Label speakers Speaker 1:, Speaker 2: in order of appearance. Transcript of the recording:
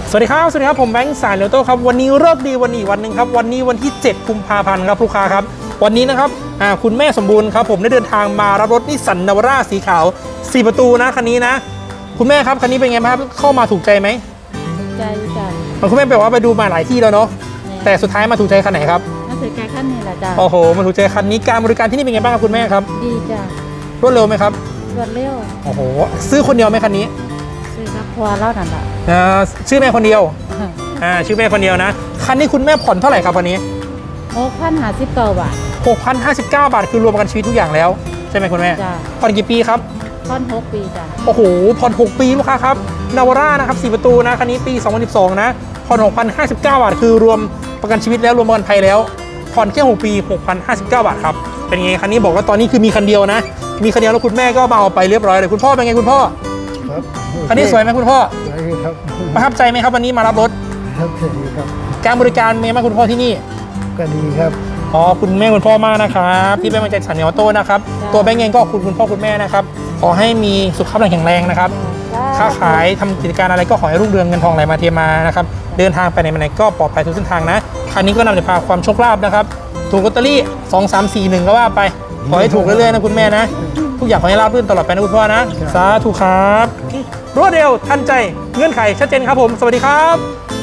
Speaker 1: สวัสดีครับผมแบงค์สายเลโต้ครับวันนี้เลิกดีวันนี้วันหนึ่งครับวันนี้วันที่7 กุมภาพันธ์ครับลูกค้าครับวันนี้นะครับคุณแม่สมบูรณ์ครับผมได้เดินทางมารับรถนิสสันนาวาร่าสีขาว4 ประตูนะคันนี้นะคุณแม่ครับคันนี้เป็นไงครับเข้ามาถูกใจไหม
Speaker 2: ใจจ้ะ
Speaker 1: คุณแม่แปลว่าไปดูมาหลายที่แล้วเนาะแต่สุดท้ายมาถูกใจคันไหนครับ
Speaker 2: มาถือใจขั้นนี้แหละจ้ะ
Speaker 1: โอ้โหมาถูกใจคันนี้การบริการที่นี่เป็นไงบ้างครับคุณแม่ครับ
Speaker 2: ดีจ้ะ
Speaker 1: รวดเร็วไหมครับ
Speaker 2: รวดเร็ว
Speaker 1: โอ้โหซื้อคนเดียวไหมคันนี้
Speaker 2: ซื้อครับพอแล้วนั่นแหละ
Speaker 1: ชื่อแม่คนเดียวชื่อแม่คนเดียวนะคันนี้คุณแม่ผ่อนเท่าไหร่ครับวันนี้
Speaker 2: 6,059 บาท
Speaker 1: 6,059 บาทคือรวมประกันชีวิตทุกอย่างแล้วใช่ไหมคุณแม่
Speaker 2: จ้ะ
Speaker 1: ผ่อนกี่ปีครับ
Speaker 2: ผ่อน6 ปีจ้ะ
Speaker 1: โอ้โหผ่อน6 ปีลูกค้าครับนาวาร่านะครับ4 ประตูนะคันนี้ปี2012นะผ่อน6,059 บาทคือรวมประกันชีวิตแล้วรวมประกันภัยแล้วผ่อนแค่6 ปี6,059 บาทครับเป็นไงคันนี้บอกว่าตอนนี้คือมีคันเดียวนะมีคันเดียวแล้วคุณแม่ก็มาเอาไปเรียบร้อยเลยคุณพ่อเป็นไงคุณพ่อ
Speaker 3: ครับ
Speaker 1: คันนี้สวยไหมคุณพ่อ
Speaker 3: สวยครับ
Speaker 1: ประทับใจไหมครับวันนี้มารับรถ
Speaker 3: ครับสวัสดีครับ
Speaker 1: การบริการมีไหมคุณพ่อที่นี่
Speaker 3: ก็ดีครับ
Speaker 1: คุณแม่คุณพ่อมากนะครับที่เป็นกำลังใจสันนิออโต้นะครับตัวแบงค์เองก็คุณพ่อคุณแม่นะครับขอให้มีสุขภาพแข็งแรงนะครับค้าขายทำกิจการอะไรก็ขอให้รุ่งเรืองเงินทองไหลมาเทมานะครับเดินทางไปไหนมาไหนก็ปลอดภัยทุกเส้นทางนะคันนี้ก็นำจะพาความโชคลาภนะครับถูกลอตเตอรี่2 3 4 1ก็ว่าไปขอให้ถูกเรื่อยๆนะคุณแม่นะทุกอย่างขอให้ราบรื่นตลอดไปนะคุณพ่อนะสาธุครับรวดเร็วทันใจเงื่อนไขชัดเจนครับผมสวัสดีครับ